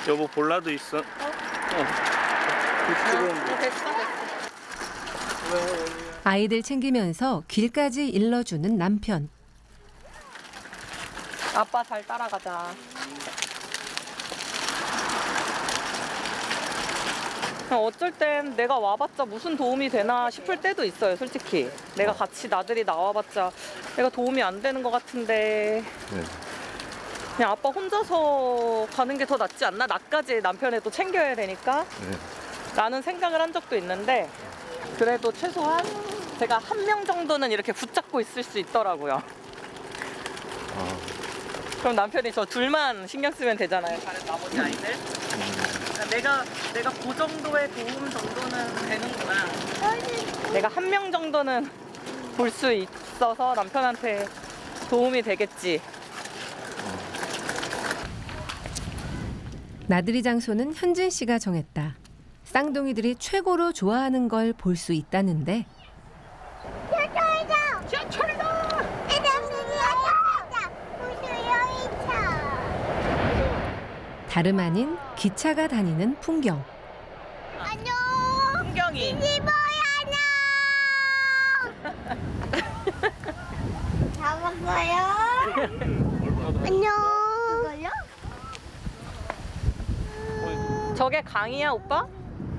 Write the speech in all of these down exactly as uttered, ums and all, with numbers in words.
여보 볼라도 있어. 어. 어. 어, 됐어, 됐어. 아이들 챙기면서 길까지 일러주는 남편. 아빠 잘 따라가자. 어쩔 땐 내가 와봤자 무슨 도움이 되나 싶을 때도 있어요, 솔직히. 내가 같이 나들이 나와봤자 내가 도움이 안 되는 것 같은데. 네. 그냥 아빠 혼자서 가는 게 더 낫지 않나? 나까지 남편에 또 챙겨야 되니까. 네. 라는 생각을 한 적도 있는데, 그래도 최소한 제가 한 명 정도는 이렇게 붙잡고 있을 수 있더라고요. 어. 그럼 남편이 저 둘만 신경 쓰면 되잖아요, 다른 나머지 아이들. 그러니까 내가 내가 그 정도의 도움 정도는 되는구나. 내가 한 명 정도는 볼 수 있어서 남편한테 도움이 되겠지. 나들이 장소는 현진 씨가 정했다. 쌍둥이들이 최고로 좋아하는 걸 볼 수 있다는데 다름 아닌 기차가 다니는 풍경. 안녕. 풍경이. 이보야 잡았어요. 안녕. 그걸요? 저게 강이야, 오빠?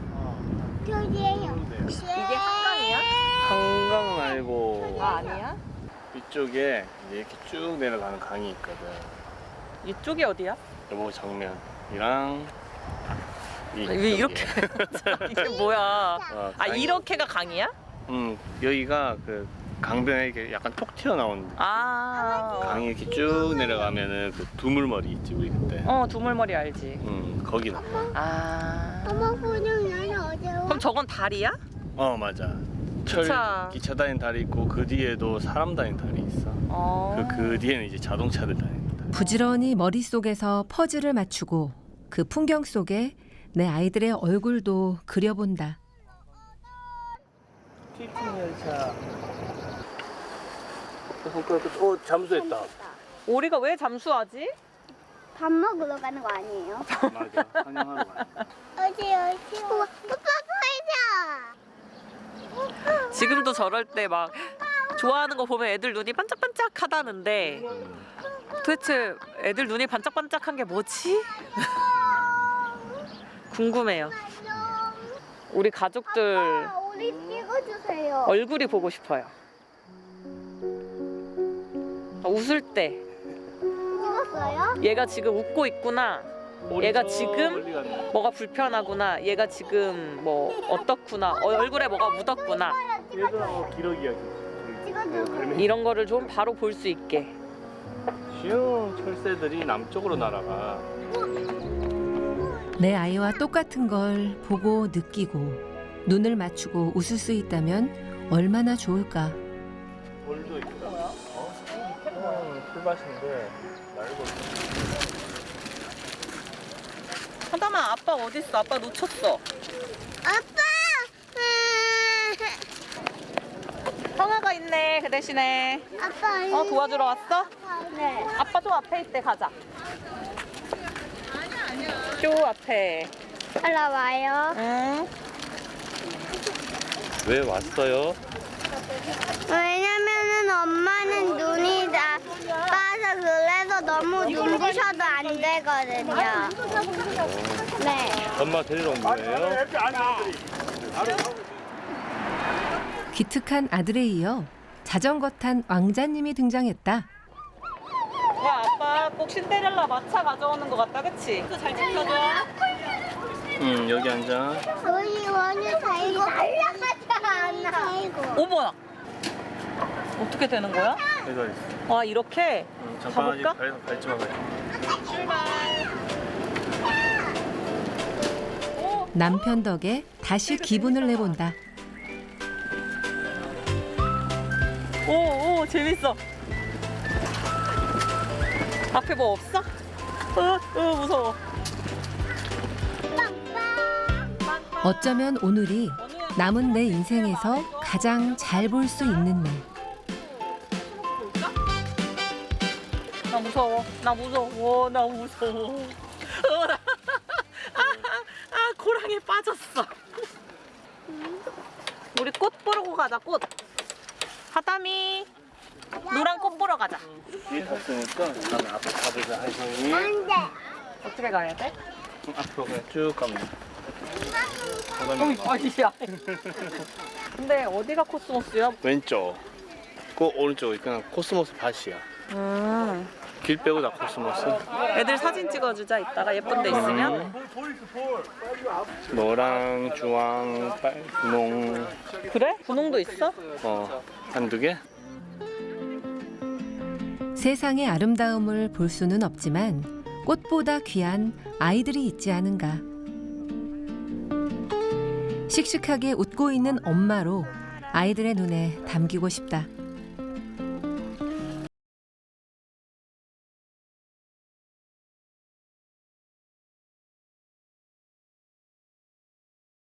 저기에요. 이게 한강이야? 한강 말고 아, 아니야? 이쪽에 이렇게 쭉 내려가는 강이 있거든. 이쪽이 어디야? 여보 정면이랑 이 왜 이렇게? 이게 뭐야? 어, 아, 강이. 이렇게가 강이야? 음 여기가 그 강변에 이렇게 약간 톡 튀어나온 아. 강이 이렇게 쭉 내려가면은 그 두물머리 있지 우리 그때. 어, 두물머리 알지. 음 거기다. 아. 엄마 분명 나는 어제 와. 그럼 저건 다리야? 어 맞아. 철 기차. 기차 다니는 다리 있고 그 뒤에도 사람 다니는 다리 있어. 어. 그, 그 뒤에는 이제 자동차들 다닙니다. 부지런히 머릿속에서 퍼즐을 맞추고 그 풍경 속에 내 아이들의 얼굴도 그려본다. 티팅 열차. 어 잠수했다. 오리가 왜 잠수하지? 밥 먹으러 가는 거 아니에요? 맞아. 환영하러 가. 어디 어디? 오빠 보이자. 지금도 저럴 때 막 좋아하는 거 보면 애들 눈이 반짝반짝 하다는데 도대체 애들 눈이 반짝반짝한 게 뭐지? 궁금해요. 우리 가족들 아빠, 우리 찍어주세요. 얼굴이 보고 싶어요. 웃을 때 찍었어요? 얘가 지금 웃고 있구나. 얘가 지금 뭐가 불편하구나. 얘가 지금 뭐 어떻구나. 어, 얼굴에 뭐가 묻었구나. 얘들하고 기러기야. 찍어주세요. 이런 거를 좀 바로 볼 수 있게. 쉬운 철새들이 남쪽으로 날아가. 내 아이와 똑같은 걸 보고 느끼고 눈을 맞추고 웃을 수 있다면 얼마나 좋을까. 돌도 있다. 어? 어, 풀밭인데 날고. 하다만 아빠 어디 있어? 아빠 놓쳤어. 아빠. 형아가 있네. 그 대신에. 아빠. 어 도와주러 왔어? 네. 아빠 저 앞에 있대. 가자. 저 앞에. 올라와요. 응. 왜 왔어요? 왜냐면은 엄마는 눈이 다 빠서 그래서 너무 눈부셔도 안 되거든요. 네. 엄마 데리러 온 거예요? 기특한 아들에 이어 자전거 탄 왕자님이 등장했다. 와 아빠 꼭 신데렐라 마차 가져오는 것 같다. 그치? 잘 지켜줘. 응 여기 앉아. 우리 원유 달고 올라가지 않아. 어머나. 어떻게 되는 거야? 여기가 있어. 와 이렇게 응, 잠깐 아직 가볼까? 갈, 갈지 마. 남편 덕에 다시 기분을 내본다. 오, 오, 재밌어. 앞에 뭐 없어? 어, 어, 무서워. 어쩌면 오늘이 남은 내 인생에서 가장 잘 볼 수 있는 날. 나 무서워. 나 무서워. 나 무서워. 어, 나... 가자. 꽃. 하담이 노란 꽃 보러 가자. 뒤에 탔으니까 나는 앞에 가보자. 하이성이 안돼. 어떻게 가야 돼? 앞으로 그냥 쭉 가면. 어이, 아니야. 근데 어디가 코스모스야? 왼쪽, 그 오른쪽이 그냥 코스모스 밭이야. 음. 길 빼고 다 코스모스. 애들 사진 찍어주자. 이따가 예쁜 데 있으면. 노랑, 주황, 빨, 분홍, 그래? 분홍도 있어? 어 한두 개. 세상의 아름다움을 볼 수는 없지만 꽃보다 귀한 아이들이 있지 않은가. 씩씩하게 웃고 있는 엄마로 아이들의 눈에 담기고 싶다.